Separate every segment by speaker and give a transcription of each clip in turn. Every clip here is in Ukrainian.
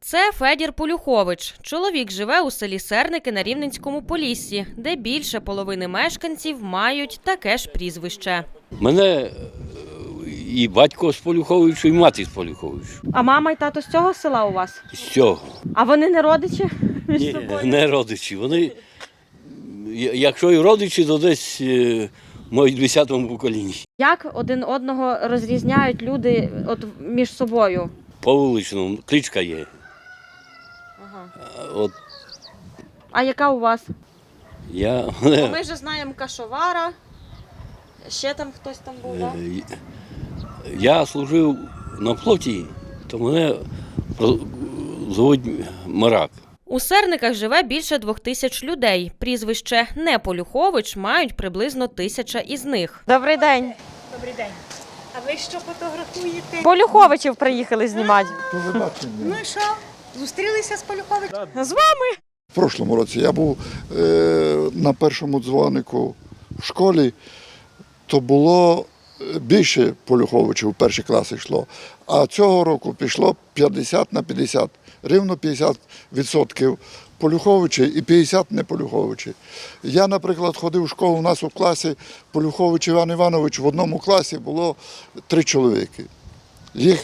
Speaker 1: Це Федір Полюхович. Чоловік живе у селі Серники на Рівненському Поліссі, де більше половини мешканців мають таке ж прізвище.
Speaker 2: Мене і батько з Полюховичу, і мати з Полюховичу.
Speaker 1: А мама і тато з цього села у вас?
Speaker 2: З цього.
Speaker 1: А вони не родичі між
Speaker 2: Ні,
Speaker 1: собою?
Speaker 2: не родичі. Вони, якщо і родичі, то десь мають в 10-му поколінні.
Speaker 1: Як один одного розрізняють люди між собою?
Speaker 2: По вуличному кличка є.
Speaker 1: Ага.
Speaker 2: От
Speaker 1: А яка у вас?
Speaker 2: я,
Speaker 1: Ми вже знаємо Кашовара. Ще там хтось там був, так?
Speaker 2: я служив на флоті, то мене звуть Марак.
Speaker 1: У Серниках живе більше 2000 людей. Прізвище не Полюхович мають приблизно 1000 із них. Добрий день.
Speaker 3: Добрий день. А ви що фотографуєте?
Speaker 1: Полюховичів приїхали знімати.
Speaker 3: Ну і що? Зустрілися з Полюховичем?
Speaker 1: З вами?
Speaker 4: В прошлому році я був на першому дзвонику в школі, то було більше Полюховичів в перші класи йшло. А цього року пішло 50 на 50. Рівно 50% Полюховичі і 50 не Полюховичі. Я, наприклад, ходив в школу, у нас у класі Полюхович Іван Іванович, в одному класі було 3 чоловіки. Їх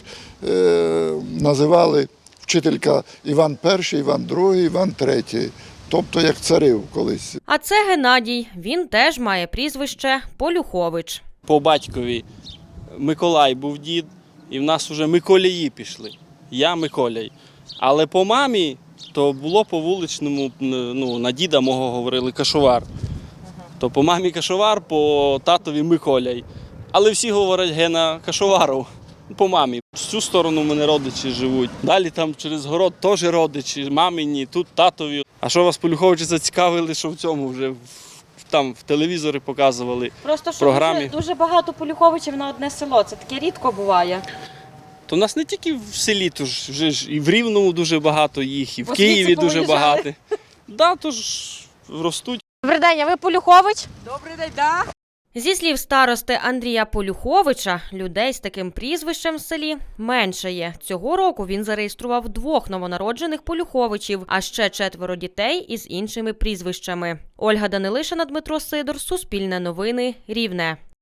Speaker 4: називали вчителька Іван І, Іван II, Іван III, тобто як царів колись.
Speaker 1: А це Геннадій. Він теж має прізвище Полюхович.
Speaker 5: По батькові Миколай був дід, і в нас вже Миколії пішли. Я Миколяй. Але по мамі то було по вуличному, ну, на діда мого говорили Кашовар. То по мамі Кашовар, по татові Миколяй. Але всі говорять Гена Кашоваров. По мамі. З цю сторону в мене родичі живуть. Далі там через город теж родичі, мамині, тут татові. А що вас Полюховичі зацікавили, що в цьому вже там в телевізорі показували.
Speaker 1: Просто що
Speaker 5: Програмі.
Speaker 1: дуже багато Полюховичів на одне село. Це таке рідко буває.
Speaker 5: То в нас не тільки в селі, то ж вже ж і в Рівному дуже багато їх, і в
Speaker 1: Бо
Speaker 5: Києві
Speaker 1: звідси
Speaker 5: дуже
Speaker 1: повиїжджали.
Speaker 5: багато. Да, то ж ростуть.
Speaker 1: Добрий день, а ви Полюхович?
Speaker 3: Добрий день, да.
Speaker 1: Зі слів старости Андрія Полюховича, людей з таким прізвищем в селі менше є. Цього року він зареєстрував 2 новонароджених Полюховичів, а ще 4 дітей із іншими прізвищами. Ольга Данилишина, Дмитро Сидор, Суспільне новини, Рівне.